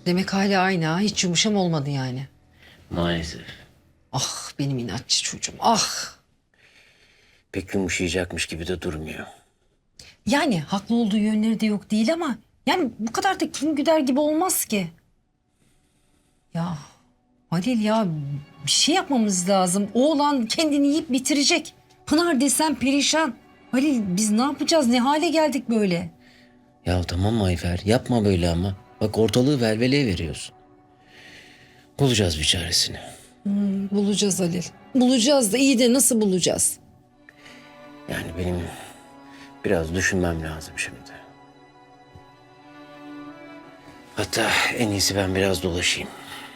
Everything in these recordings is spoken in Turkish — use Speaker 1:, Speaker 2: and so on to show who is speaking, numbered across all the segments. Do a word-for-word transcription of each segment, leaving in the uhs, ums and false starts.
Speaker 1: Demek hala aynı ha. Hiç yumuşam olmadı yani.
Speaker 2: Maalesef.
Speaker 1: Ah benim inatçı çocuğum. Ah.
Speaker 2: Pek yumuşayacakmış gibi de durmuyor.
Speaker 1: Yani haklı olduğu yönleri de yok değil ama... Yani bu kadar da kin güder gibi olmaz ki. Ya Halil ya bir şey yapmamız lazım. Oğlan kendini yiyip bitirecek. Pınar desem perişan. Halil biz ne yapacağız? Ne hale geldik böyle?
Speaker 2: Ya tamam Ayfer, yapma böyle ama. Bak ortalığı velveleye veriyorsun. Bulacağız bir çaresini.
Speaker 1: Bulacağız Halil. Bulacağız da iyi de nasıl bulacağız?
Speaker 2: Yani benim biraz düşünmem lazım şimdi. Hatta en iyisi ben biraz dolaşayım.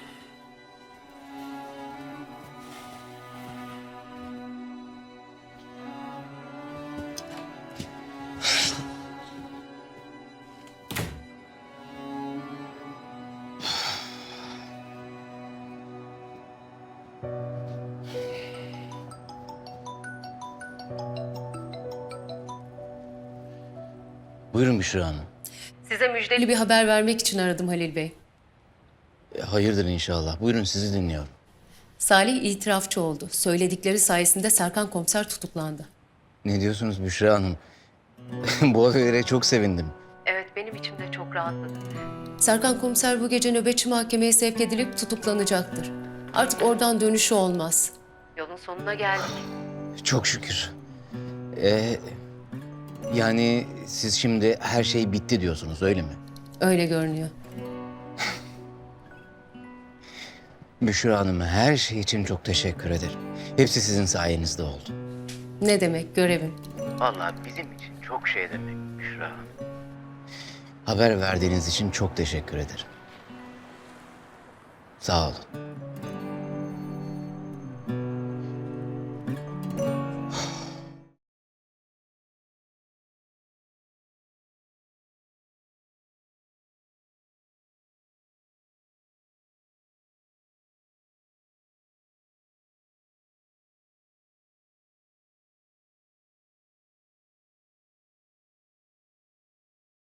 Speaker 2: Buyurun Büşra Hanım.
Speaker 3: Size müjdeli bir haber vermek için aradım Halil Bey.
Speaker 2: E, Hayırdır inşallah. Buyurun sizi dinliyorum.
Speaker 3: Salih itirafçı oldu. Söyledikleri sayesinde Serkan komiser tutuklandı.
Speaker 2: Ne diyorsunuz Büşra Hanım? Bu habere çok sevindim.
Speaker 3: Evet, benim içim de çok rahatladı. Serkan komiser bu gece nöbetçi mahkemeye sevk edilip tutuklanacaktır. Artık oradan dönüşü olmaz. Yolun sonuna geldik.
Speaker 2: Çok şükür. Ee, yani siz şimdi her şey bitti diyorsunuz öyle mi?
Speaker 3: Öyle görünüyor.
Speaker 2: Büşra Hanım her şey için çok teşekkür ederim. Hepsi sizin sayenizde oldu.
Speaker 3: Ne demek görevim?
Speaker 2: Vallahi bizim için çok şey demek Büşra Hanım. Haber verdiğiniz için çok teşekkür ederim. Sağ olun.